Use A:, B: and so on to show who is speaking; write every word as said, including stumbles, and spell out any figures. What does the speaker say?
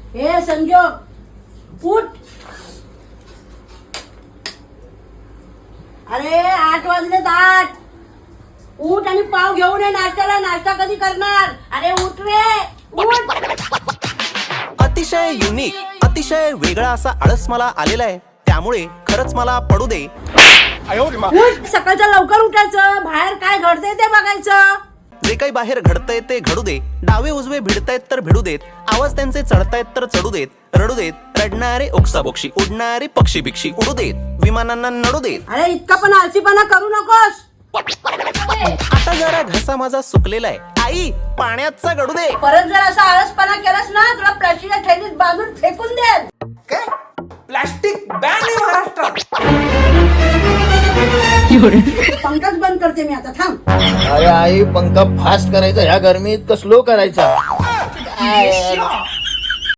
A: हे संजोग उठ. अरे आठ वाजलेत आठ. उठ आणि पाव घेऊन ये नाश्त्याला. नाश्ता कधी करणार? अरे उठ रे उठ.
B: अतिशय युनिक, अतिशय वेगळा असा आळस मला आलेला आहे, त्यामुळे खरंच मला पडू दे.
A: उठ. सकाळचं लवकर उठायचं. बाहेर काय घडतंय ते बघायचं.
B: जे काही बाहेर घडतंय ते घडू दे. डावे उजवे भिडतायत तर भिडू देत. आवाज त्यांचे चढतायत तर चढू देत. रडू देत. रडणारे ओक्साबोक्षी, उडणारे पक्षी भिक्षी उडू देत. विमानांना नडू देत.
A: अरे इतका पण आळशीपणा करू नकोस.
B: आता जरा घसा माझा सुकलेला आहे. आई पाण्याचा गडू दे.
A: परत जर असा आळसपणा केलास ना तुला प्लास्टिकच्या थैलीत बांधून फेकून दे.
C: काय प्लास्टिक बॅन आहे महाराष्ट्रात.
A: पंखाच बंद करते मी आता. थांब.
D: अरे आई पंखा फास्ट करायचा ह्या गरमीत का स्लो करायचा? काय